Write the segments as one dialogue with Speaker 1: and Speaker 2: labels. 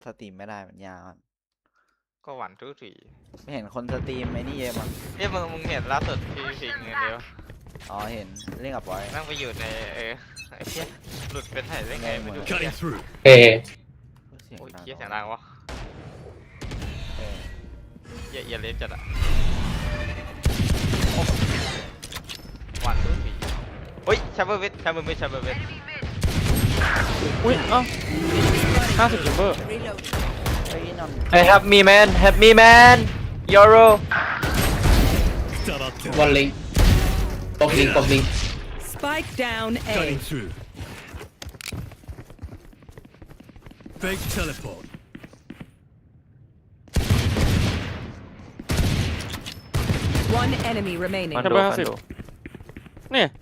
Speaker 1: สตรีมไม่ได้มันยาวครับ
Speaker 2: ก็หวานทุกที
Speaker 1: ไม่เห็นคนสตรีมไอ้นี่เยอะมั้ง
Speaker 2: มึงเห็นล่าสุดพี่พิงเงินเดียว
Speaker 1: อ๋อเห็นเล่นกับบอย
Speaker 2: นั่งไปอยู่ในไอ้เหี้ยหลุดเป็นไถ่ได้ไงไม่รู้
Speaker 3: Cutting through.
Speaker 4: เอ
Speaker 1: เสียง
Speaker 2: โอ้ย
Speaker 1: ดัง
Speaker 2: เหี้ยเสียงดังวะ
Speaker 1: เออ
Speaker 2: เหี้ยเล็บจัดอะหวานทุกทีเฮ้ยชับเบอร์เวท
Speaker 5: อุ้ยเอ้า50 จัมเบอร์
Speaker 1: ไอ้ยนอน
Speaker 5: Hey help me man help me man Euro
Speaker 4: บอลลิงปกลิง
Speaker 6: Spike down
Speaker 3: Cutting
Speaker 6: A.
Speaker 3: through. Fake teleport.
Speaker 6: One enemy remaining.
Speaker 5: จัมเบอร์50นี่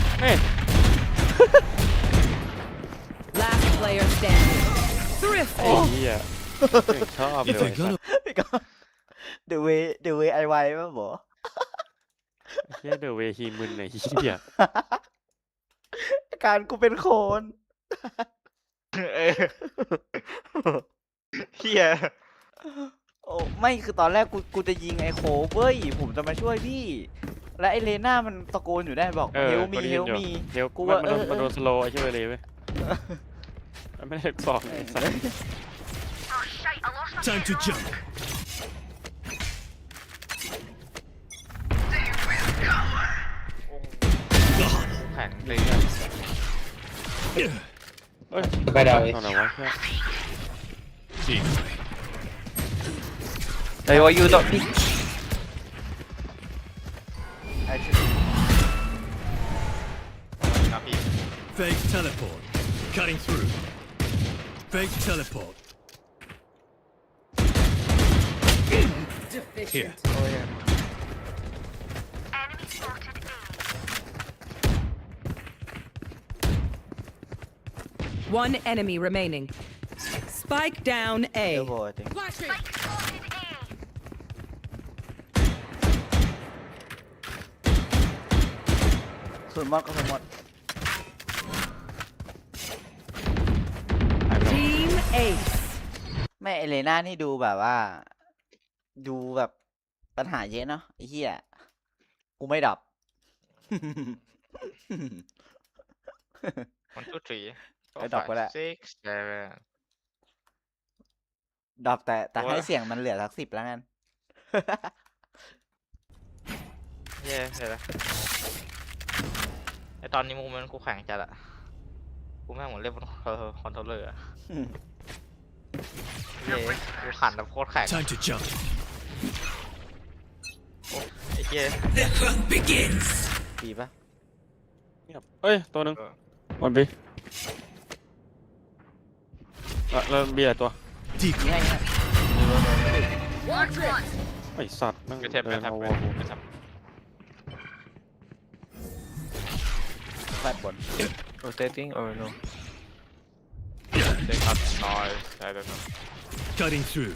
Speaker 6: Last player standing.
Speaker 5: ไอ้
Speaker 6: Thrifty.
Speaker 5: เหี้ยชอบเล
Speaker 3: If
Speaker 5: ย
Speaker 3: they're gonna
Speaker 1: พี่ก็เดอะเวไอไวป่ะบอ
Speaker 5: เหี้ยเดอะเวฮีมึนไอ้เหี้ย
Speaker 1: การกูเป็นโคน
Speaker 2: เออเหี้ย
Speaker 1: โอ้ไม่คือตอนแรกกูจะยิงไอ้โคเว้ยผมจะมาช่วยพี่ และไอ้เลน่ามันตะโกนอยู่ได้บอก
Speaker 5: เออ
Speaker 1: เฮล
Speaker 5: พ
Speaker 1: มี
Speaker 5: อดี
Speaker 1: เฮล
Speaker 5: อยู่
Speaker 1: มี
Speaker 5: เดี๋ยว
Speaker 1: กู
Speaker 5: มัน
Speaker 1: ว่า
Speaker 5: มันโดนสโลว์ไอ้เหี้ยเลยเว้ยมันไม่ได้บอกไอ้สัส
Speaker 3: time to jump.
Speaker 2: แข็งเลย
Speaker 5: เอ้ย
Speaker 4: ไปดาวเอ
Speaker 5: เอาไหนวะเหี้ย
Speaker 3: Decoy.
Speaker 5: Hey what you don't pick
Speaker 1: ไอ้ชื่อ
Speaker 2: นะพี่
Speaker 3: Fake teleport. Cutting through. Fake teleport. Here.
Speaker 1: โอ้ย
Speaker 6: One enemy remaining. Spike down
Speaker 1: เอ
Speaker 6: A.
Speaker 1: ลโบจริงส่วนมากก็สมมติ
Speaker 6: Team Ace.
Speaker 1: แม่เอเลน่านี่ดูแบบว่า ดูแบบปัญหาเยอะเนาะไอ้เหี้ยกูไม่ดับ
Speaker 2: 1 2 3
Speaker 1: ไปดอกก็ได้
Speaker 2: 6 7
Speaker 1: ดับแต่
Speaker 2: โอ้ย
Speaker 1: ให้เสียงมันเหลือสัก10แล้วกัน
Speaker 2: เย้เห็นแล้วไอตอนนี้มูมันกูแข็งจัดอะกูแม่งเหมือนเล่นบนคอนโทรลเลอร์อะเย้กูขันแบบโคตรแข็ง
Speaker 3: Time to jump.
Speaker 2: ไอ้เย้
Speaker 1: ดีปะ
Speaker 5: เงียบเอ้ยตัวหนึงวันบีแล้วเบียร์ตัว
Speaker 3: Decoy.
Speaker 1: ง่าย
Speaker 5: ไอ้สัตว์แม่ง
Speaker 2: ไปเทปไป
Speaker 5: เดิน
Speaker 2: เทป
Speaker 5: มา
Speaker 2: ไป
Speaker 5: วัวกู
Speaker 2: ไปเทป
Speaker 1: ๆแฟดบน
Speaker 7: Rotating or no?
Speaker 2: เด็กครับน้อยใช่เลย
Speaker 3: Cutting through.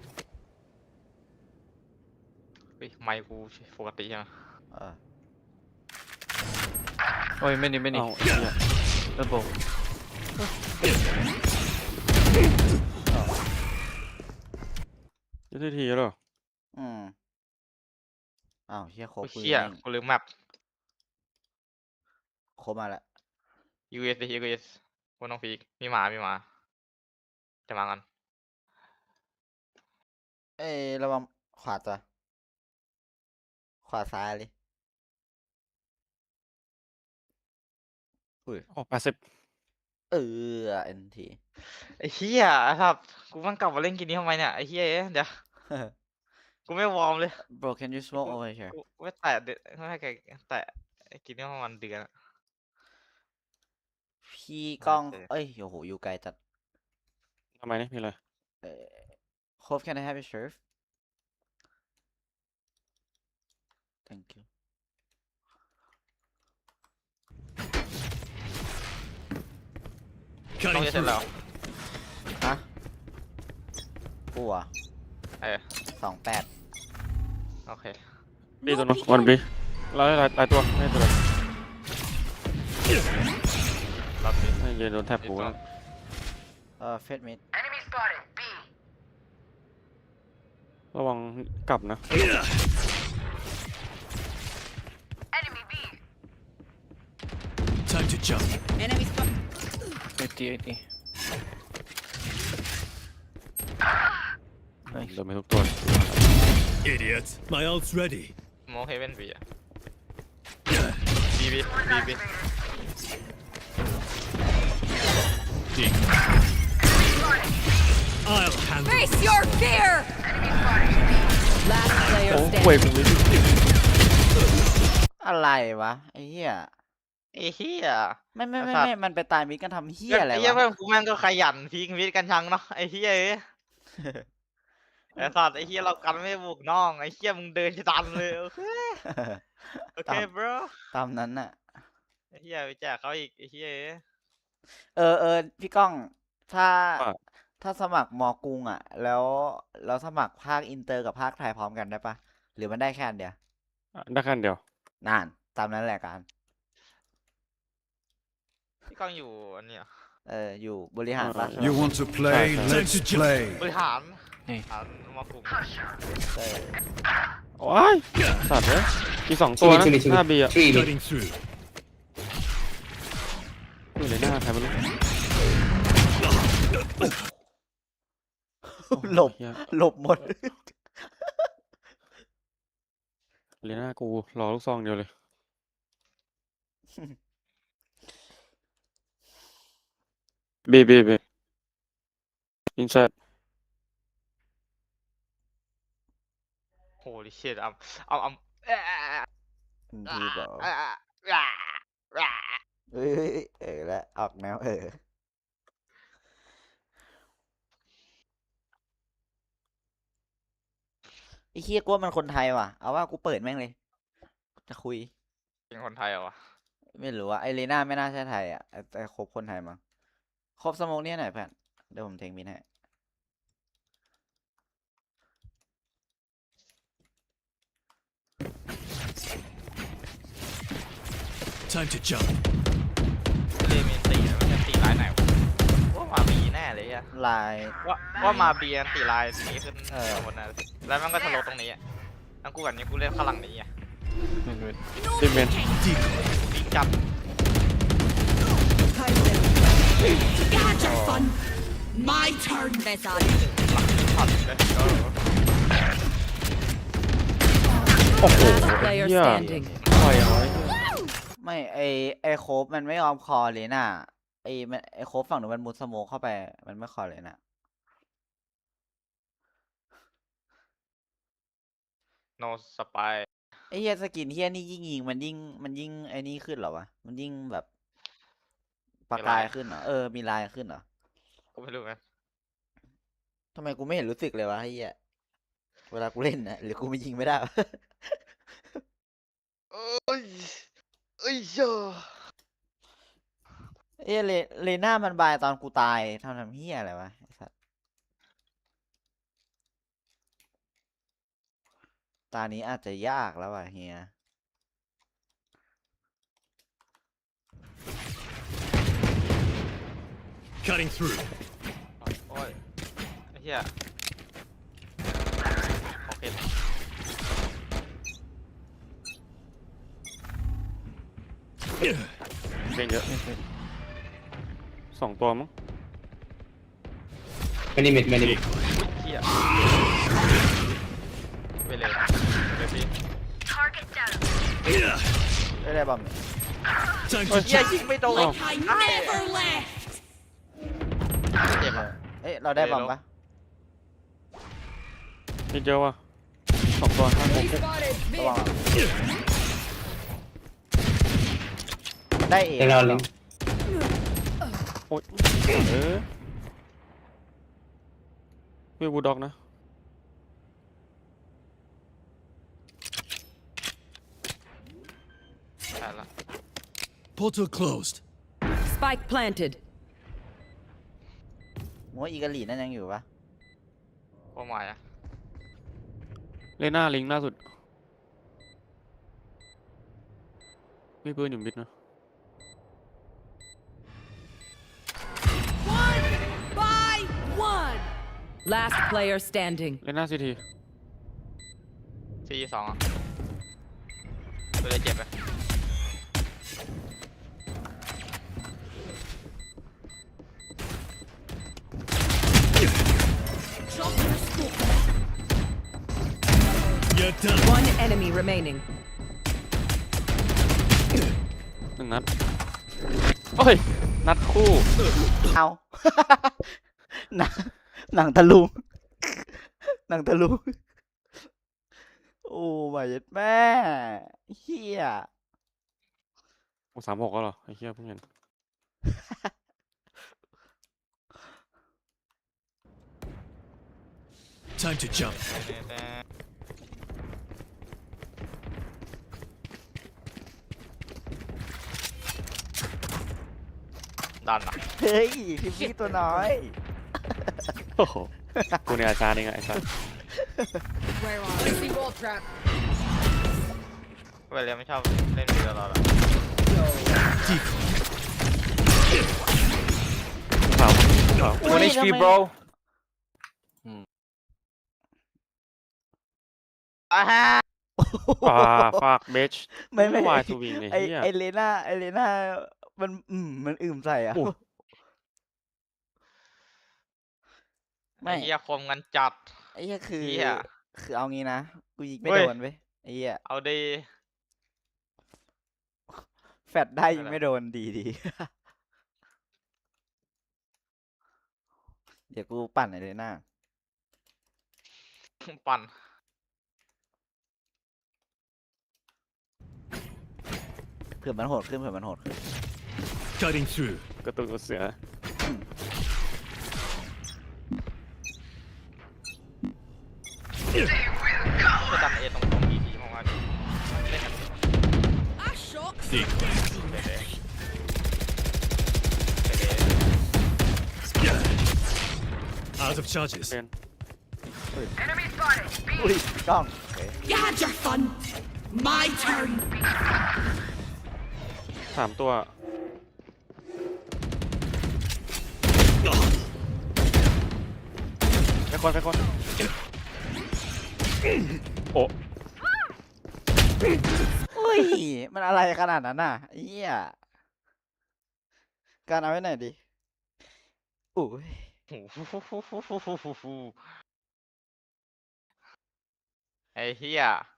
Speaker 2: เฮ้ยไมค์กูปกติใช่ไหม
Speaker 1: เออ
Speaker 7: Oh, many.
Speaker 5: เอ้าไอ้เหี้ย
Speaker 7: Elbow.
Speaker 5: ยุทธทีแล้วเหรอ
Speaker 1: อืมอ้าวเฮียโค
Speaker 2: โอ้ย
Speaker 1: ปืน
Speaker 2: เชี่ย
Speaker 1: แม่ง
Speaker 2: กูลืมแมป
Speaker 1: โคมาแล้ว
Speaker 2: US ดิ US กูน้องฟีกมีหมาจะมากัน
Speaker 1: เอ้ยระวังขวาตัวขวาซ้ายเลย
Speaker 5: อ๋อ80
Speaker 1: เอ็นที
Speaker 2: ไอ้เหี้ยครับกูมันกลับมาเล่นเกินนี้ทำไมเนี่ยไอ้เหี้ยเดี๋ยวกูไม่วอร์มเลย
Speaker 1: bro can you smoke over here
Speaker 2: กูไม่แตะไม่ให้แกแตะไอ้กินนี่ประมาณเดือนอะ
Speaker 1: พี่กล้อง
Speaker 2: โอเค
Speaker 1: เอ้ยโอ้โหอยู่ไกลจัด
Speaker 5: ทำไมนี่มีอะไร
Speaker 1: Hope can I have your shirt thank you
Speaker 2: ต้อง
Speaker 3: Cutting
Speaker 2: จะเสร็จ
Speaker 3: through.
Speaker 2: แล้ว
Speaker 1: ฮะกูอ่ะ
Speaker 2: เออ
Speaker 1: 28
Speaker 2: โอเค
Speaker 5: บีตัวนึงวันบีหลายตัวไม่ตัวเลย
Speaker 2: รอบนี้
Speaker 5: ไม่ยืนโดนแทบหูแล้ว
Speaker 1: เฟดมิด
Speaker 5: ระวังกลับนะ
Speaker 3: Time to jump.
Speaker 6: Enemy spot.
Speaker 7: 80.
Speaker 5: เดินไปทุกตัว
Speaker 3: Idiot. My ult's ready.
Speaker 2: โมเฮเว่นบีอะบีบีบีบี
Speaker 3: Decoy. I'll handle
Speaker 6: Face your fear. Last player
Speaker 5: โอ้ห่วย
Speaker 6: standing.
Speaker 5: กูเลย
Speaker 1: อะไรวะไอ้เหี้ย
Speaker 2: ไอ้เหี้ย
Speaker 1: ไม่
Speaker 2: ไอ้สัตว์
Speaker 1: มันไปตายมิดกันทำเหี้ยอะไร
Speaker 2: ไอ้เหี้ยว
Speaker 1: ะ
Speaker 2: เพื่อนกูแม่งก็ขยันพีคมิดกันชังเนาะไอ้เหี้ยเอ้ยไอ้สัตว์ไอ้เหี้ยเรากันไม่บุกน้องไอ้เหี้ยมึงเดินจะตันเลยโอเคโอเค bro
Speaker 1: ตามนั้นน่ะ
Speaker 2: ไอ้เหี้ยไปแจกเขาอีกไอ้เหี้ยเอ้ย
Speaker 1: พี่ก้องถ้า
Speaker 5: ว่า
Speaker 1: ถ้าสมัครมอกรุงอ่ะ แล้วสมัครภาคอินเตอร์กับภาคไทยพร้อมกันได้ปะหรือมันได้แค่อันเดียว
Speaker 5: ได้แค่อันเดียว
Speaker 1: นานตามนั้นแหละการ
Speaker 2: พี่ก้องอยู่อันเนี้ย
Speaker 1: อยู่บริหารปะ
Speaker 3: You want to play? Let's play.
Speaker 2: บริหาร
Speaker 7: นี่
Speaker 2: หารมากลุ่ม
Speaker 1: เออ
Speaker 5: โอ้ยสัตว์เลยอีก2ตัวนะ
Speaker 4: Two mid,
Speaker 5: หน้าบีอะ
Speaker 4: 3 mid.
Speaker 3: Cutting through.
Speaker 5: อยู่ในหน้าใครไม่รู้
Speaker 1: หลบ
Speaker 5: เหี้ย
Speaker 1: หลบหมด
Speaker 5: เลน่ากูรอลูกซองเดียวเลยบีอินไซด์
Speaker 2: โหดิเชิดอ่ะ
Speaker 1: ดีเปล่า เอ้ยแล้วออกแนวไอ้เฮียกลัวมันคนไทยว่ะ เอาว่ากูเปิดแม่งเลย จะคุย
Speaker 2: เป็นคนไทยเหรอวะ
Speaker 1: ไม่รู้ว่าไอเลน่าไม่น่าใช่ไทยอ่ะแต่ครบคนไทยมั้งครบสโมกเนี่ยหน่อยเพื่อนเดี๋ยวผมเทงมินให้
Speaker 3: Time to jump.
Speaker 2: เลมินตีนะมันจะตีลายไหนวะว่ามาบีแน่เลยอะ
Speaker 1: ลาย
Speaker 2: ว่ามาบีอันตีลายนี้ขึ้น
Speaker 1: เออ
Speaker 2: ข้างบนนะแล้วมันก็ทะลุตรงนี้อะทั้งกูกับนี้กูเล่นข้างหลังนี้อะ
Speaker 5: ดิเมน
Speaker 3: Decoy.
Speaker 2: ดีจับ
Speaker 6: My turn. Best on.
Speaker 2: ผัดเลย
Speaker 5: โอ้โห
Speaker 6: Last player
Speaker 5: เหี้ย
Speaker 6: standing.
Speaker 5: ปล่อยเอาไว้
Speaker 1: ไม่ไอโคฟมันไม่ยอมคอเลยน่ะไอโคฟฝั่งหนูมันมุดสโมกเข้าไปมันไม่คอเลยน่ะ
Speaker 2: โนสปาย
Speaker 1: ไอเฮียสกินเฮียนี่ยิ่งยิงมันยิ่งไอนี่ขึ้นเหรอวะมันยิ่งแบบประกายขึ้นเหรอมีลายขึ้นเหรอ
Speaker 2: กูไม่รู้ไง
Speaker 1: ทำไมกูไม่เห็นรู้สึกเลยวะไอ้เหี้ยเวลากูเล่นนะหรือกูไม่ยิงไม่ได้วะ
Speaker 2: เอ้ยเยอะ
Speaker 1: เลน่ามันบายตอนกูตายทำเหี้ยอะไรวะไอ้สัสตานี้อาจจะยากแล้วว่ะเฮีย
Speaker 3: Cutting through.
Speaker 2: โอ้ยไอ้เหี้ยโอเค
Speaker 5: เป็นเยอะ2ตัวมั้ง
Speaker 4: Many mid.
Speaker 3: Decoy.
Speaker 2: เหี้ยไปเลยไปสิ
Speaker 1: ได้บอมเนี่ย
Speaker 3: Time
Speaker 2: เหี้
Speaker 3: to
Speaker 2: ย
Speaker 3: jump.
Speaker 2: ยิงไม่โดน
Speaker 6: I never left.
Speaker 2: เจ็บอะ
Speaker 1: เราได้บอมปะ
Speaker 5: นิดเดียวว่ะ2ตัวข้างบน
Speaker 1: ระวังมันได้เอง
Speaker 4: They're not link.
Speaker 5: โอ๊ยวิวบูลด็อกนะ
Speaker 2: ใช่ละ
Speaker 3: Portal closed.
Speaker 6: Spike planted.
Speaker 1: มัวอีกาลีนั่นยังอยู่ปะ
Speaker 2: โอ้ไม่อะ
Speaker 5: เลน่าลิงล่าสุดมีปืนอยู่มิดนะ
Speaker 6: One by one. Last player standing.
Speaker 5: เลน่าซีที
Speaker 2: 4-2อ่ะตัวเลยเจ็บไป
Speaker 3: You're done.
Speaker 6: One enemy remaining.
Speaker 5: หนึ่งนัดโอ้ย นัดคู่
Speaker 1: เอา หนังหนังตะลุง หนังตะลุง โอ้my god แม่เฮีย
Speaker 5: โอ้36ก็เหรอ ไอ้เหี้ยเพิ่งเห็น
Speaker 3: Time to jump.
Speaker 2: ดันอ่ะ
Speaker 1: เฮ้ยทิมมี่ตัวน้อย
Speaker 5: โอ้โห กูในอาจารย์เองอะไอ้สัส
Speaker 6: Where are we? See wall trap.
Speaker 2: เวลาไม่ชอบเล่นเรือเราละ
Speaker 3: Decoy.
Speaker 5: ขาวขาว
Speaker 1: อุ๊ย
Speaker 7: 1 HP,
Speaker 1: ทำไม
Speaker 7: bro.
Speaker 2: อ่าฮะ
Speaker 5: ฝากเบช
Speaker 1: ไม่
Speaker 5: วายสวิงไอ้
Speaker 1: ไอ
Speaker 5: เหี้ย
Speaker 1: ไอเลน่ามันมันอื่มใส่อ่ะ
Speaker 5: โอ้
Speaker 2: ไอ้เหี้ยคมกันจัด
Speaker 1: ไอ้เหี้ยคือ
Speaker 2: เหี้ย
Speaker 1: คือเอางี้นะ กูยิงไม่
Speaker 2: เว้ย
Speaker 1: โดนเว้ยไอ้เหี้ย
Speaker 2: เอาดี
Speaker 1: แฟดได้ยิง
Speaker 2: อะไร
Speaker 1: ไม่โดนดี เดี๋ยวกูปั่นไอเลน่า
Speaker 2: ปั่น
Speaker 1: เผื่อมันโหดขึ้นเผื่อมันโหดขึ้น
Speaker 3: Cutting through.
Speaker 5: กระตุกกระเสือ
Speaker 2: จะดันเอตรงดีๆของมันเล่นกัน
Speaker 6: I shot.
Speaker 3: Decoy.
Speaker 2: เด็ด
Speaker 3: Out of charges.
Speaker 5: เป็น
Speaker 1: อุ้ยกล้องโอเค
Speaker 6: You had your fun. My turn.
Speaker 5: 3 ตัว ไปคนโอ้
Speaker 1: อุ้ย มันอะไรขนาดนั้นน่ะไอ้เหี้ยการเอาไว้ไหนดีอุ้ย
Speaker 2: ไอ้เหี้ย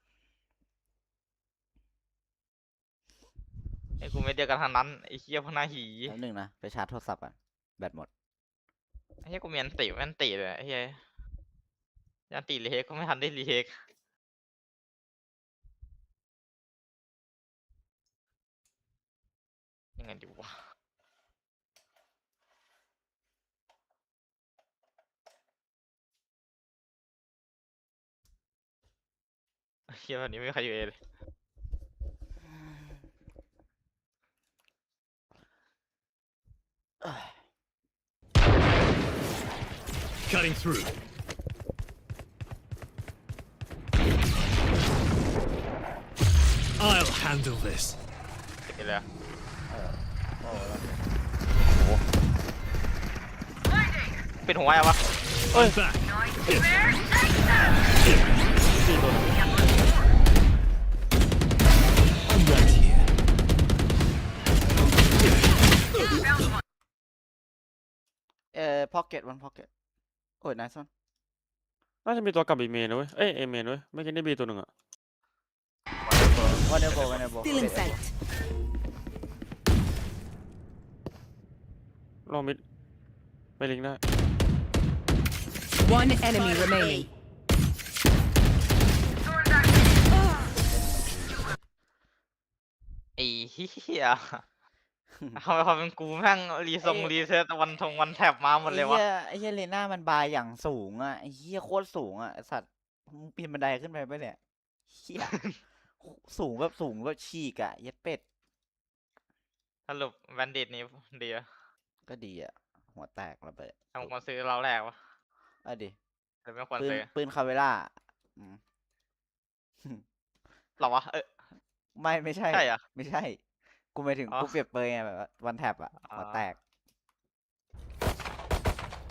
Speaker 2: ไอ้กูไม่เดียวกันทางนั้นไอ้เหี้ยพวกหน้าหี
Speaker 1: แป๊บนึงนะ ไปชาร์จโทรศัพท์อ่ะ แบตหมด
Speaker 2: ไอ้เหี้ยกูมีอันติอันติเลยไอ้เหี้ยยันติรีเฮกก็ไม่ทันได้รีเฮกยังไงดีวะไอ้เหี้ยวันนี้ไม่มีใครอยู่เอเลย
Speaker 3: Cutting through. I'll handle this.
Speaker 2: ติดเลยอะปิดหัวยังวะ
Speaker 3: I'm back.
Speaker 5: 4 ตัว
Speaker 3: I'm right here.
Speaker 1: พ็อกเก็ตวันพ็อกเก็ตโอ้ยนายซอน
Speaker 5: น่าจะมีตัวกลับบีเมนนะเว้ย เอ้ยเอเมนเว้ย ไม่กินได้บีตัวหนึ่งอะ
Speaker 1: วันเดอร์โบ
Speaker 6: Still in sight.
Speaker 5: ลองมิดไปลิงก์ได้
Speaker 6: One enemy remaining.
Speaker 2: ไอ้เหี้ยทำไมความเป็นกูแม่งรีเซ็ตวันแท็บมาหมดเลยวะ
Speaker 1: ไอ้เหี้ยเลน่ามันบายอย่างสูงอ่ะไอ้เหี้ยโคตรสูงอ่ะไอ้สัตว์มึงปีนบันไดขึ้นไปปะเนี่ยเหี้ย สูงแบบฉีกอ่ะเย็ดเป็ด
Speaker 2: สรุปแบนดิตนี่ดีอะ
Speaker 1: ก็ดีอ่ะ หัวแตกระเบิด
Speaker 2: ทำควรซื้อเราแรกวะ
Speaker 1: เอาดิ
Speaker 2: หรือไม่ควร
Speaker 1: ปืน
Speaker 2: ซื้อ
Speaker 1: ปืนคาเวล่าอืม
Speaker 2: หรอวะ
Speaker 1: ไม่ใช่
Speaker 2: ใช่เหรอ
Speaker 1: ไม่ใช่ กูหมายถึง
Speaker 2: อ๋อ
Speaker 1: กูเปรียบเปรยไงแบบว่าวันแท็บอ่ะ
Speaker 2: อ๋อ
Speaker 1: หัวแตก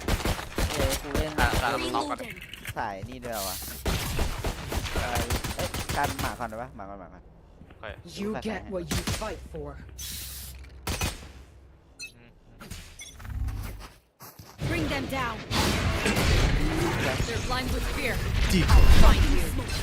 Speaker 1: กูเล่น
Speaker 2: การน้องกัน
Speaker 1: สายนี่ด้วยวะเอ้ยการหมาก่อนได้ปะหมาก่อนหมาก่อน
Speaker 6: You get what you fight for. Bring them down. They're blind with fear.
Speaker 3: Deep.
Speaker 6: I'll find you.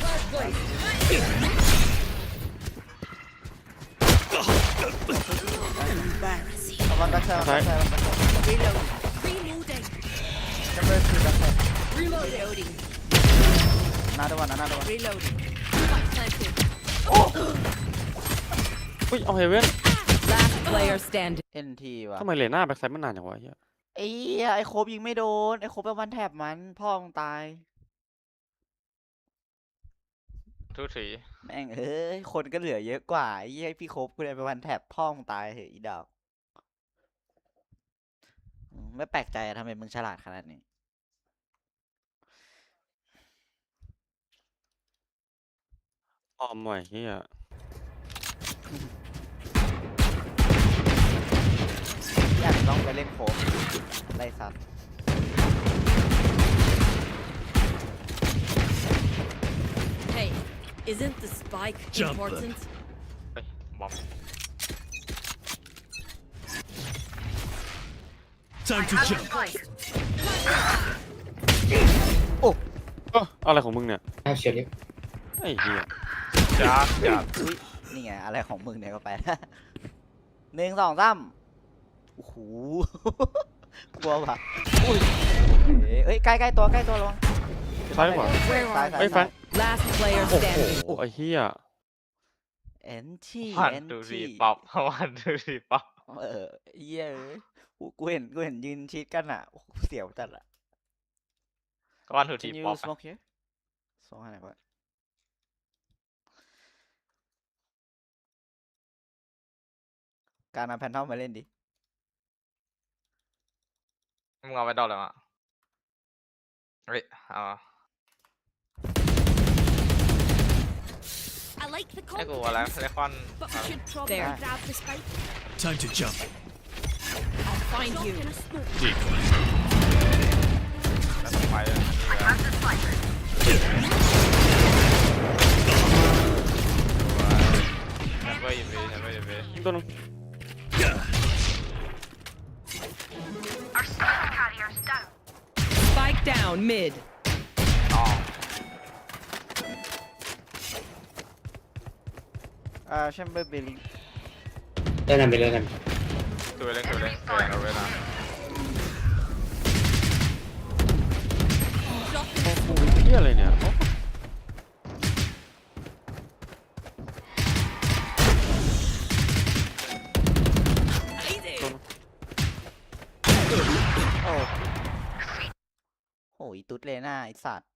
Speaker 1: เอาวันดักเซอร์วันดักเซอร์วันดักเซอร์
Speaker 6: Reloading. Reloading.
Speaker 1: จะเปิดคือดักเซอร์
Speaker 6: Reloading.
Speaker 1: นาดวันนาดวัน
Speaker 6: Reloading. Spike planted.
Speaker 5: อุ้ยเอาเฮเว่น
Speaker 6: Last player standing.
Speaker 1: NT ว่ะ
Speaker 5: ทำไมเลน่าแบ็กไซด์มันนานอย่างวะเหี้ย
Speaker 1: ไอ้เหี้ยไอ้โคบยิงไม่โดนไอ้โคบเป็นวันแถบมันพ่อมึงตาย
Speaker 2: ทุกที
Speaker 1: แม่งเอ้ยคนก็เหลือเยอะกว่าไอ้เหี้ยพี่โคบกูเลยเป็นวันแถบพ่อมึงตายเหอะอีดอกไม่แปลกใจอะทำไมมึงฉลาดขนาดนี้
Speaker 5: ออมหน่อยเหี้ย
Speaker 1: อยากต้องไปเล่นโคบไล่ซัด
Speaker 6: Hey, isn't the spike
Speaker 3: Jump.
Speaker 6: important?
Speaker 2: เฮ้ยบอม
Speaker 3: Time to jump.
Speaker 5: อะไรของมึงเนี่ย
Speaker 4: I have shield.
Speaker 5: ไอ้เหี้ย
Speaker 2: จับ
Speaker 1: อุ้ยนี่ไงอะไรของมึงเนี่ยก็ไป หนึ่งสองสามโอ้โห กลัวว่ะอุ้ยเอ้ยใกล้ตัวระวัง
Speaker 5: ซ้ายขวา
Speaker 6: Where
Speaker 1: ซ้าย
Speaker 6: are
Speaker 1: ซ้าย
Speaker 5: เฮ้ยแฟ
Speaker 1: ซ้าย
Speaker 5: น
Speaker 6: Last player
Speaker 5: โอ้โห
Speaker 6: standing.
Speaker 5: ไอ้เหี้ย
Speaker 1: NT
Speaker 2: วันดูรีป๊อปวันดูรีป๊อป
Speaker 1: เหี้ยเอ้ยกูเห็นยืนชิดกันอ่ะโอ้โหเสียวจัดอ่ะ
Speaker 2: วันดูที
Speaker 1: Can you
Speaker 2: ป๊อป
Speaker 1: smoke here สองอะไรก่อนการนำแพนทอมมาเล่นดิ
Speaker 2: มึงเอาไปดอกเลยมั้ยเฮ้ยเอา
Speaker 6: I like the
Speaker 2: ให้กูอะไร
Speaker 6: confidence,
Speaker 2: เลคอน
Speaker 6: but we should probably
Speaker 1: There.
Speaker 6: grab the spike.
Speaker 3: Time to jump.
Speaker 6: I'll find you.
Speaker 3: Deep.
Speaker 2: แล้วไปเลยไม่ยินดีไม่ยินดี
Speaker 5: ยิงตัวนึง
Speaker 6: Spike down mid.
Speaker 2: อ๋อ
Speaker 1: แชมเบอร์เบลลิง
Speaker 4: Lên làm
Speaker 2: คือเล่นเอาเวลา
Speaker 5: เหี้ยอะไรเนี่ย
Speaker 1: โอ้โหอีตุ๊ดเลน่าไอสัตว์